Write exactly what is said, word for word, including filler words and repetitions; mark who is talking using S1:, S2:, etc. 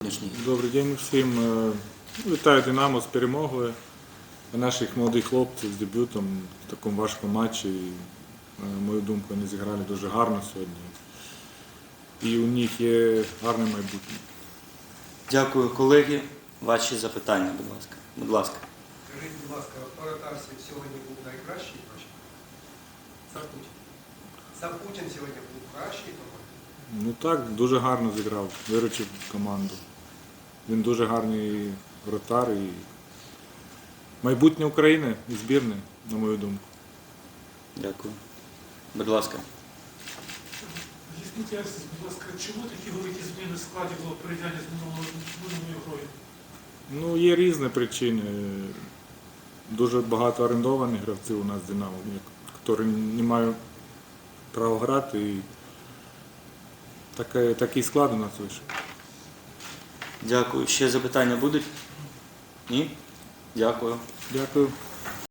S1: Добрий день всім. Вітаю «Динамо» з перемогою. Наших молодих хлопців з дебютом в такому важкому матчі. На мою думку, вони зіграли дуже гарно сьогодні. І у них є гарне майбутнє.
S2: Дякую, колеги. Ваші запитання, будь ласка. Будь ласка.
S3: Скажіть, будь ласка, Воротарський сьогодні був найкращий матч? Сапутін. Сапутін сьогодні був кращий команді?
S1: Ну так, дуже гарно зіграв, виручив команду. Він дуже гарний вратар і майбутнє України і збірної, на мою думку.
S2: Дякую. Будь ласка.
S4: Поясніть, будь ласка, чому такі великі зміни в складі було порівняння з минулою, минулою грою?
S1: Ну, є різні причини. Дуже багато орендованих гравців у нас в «Динамо», які не мають права грати. І такий, такий склад у нас вийшов.
S2: Дякую. Ще запитання будуть? Ні? Дякую.
S1: Дякую.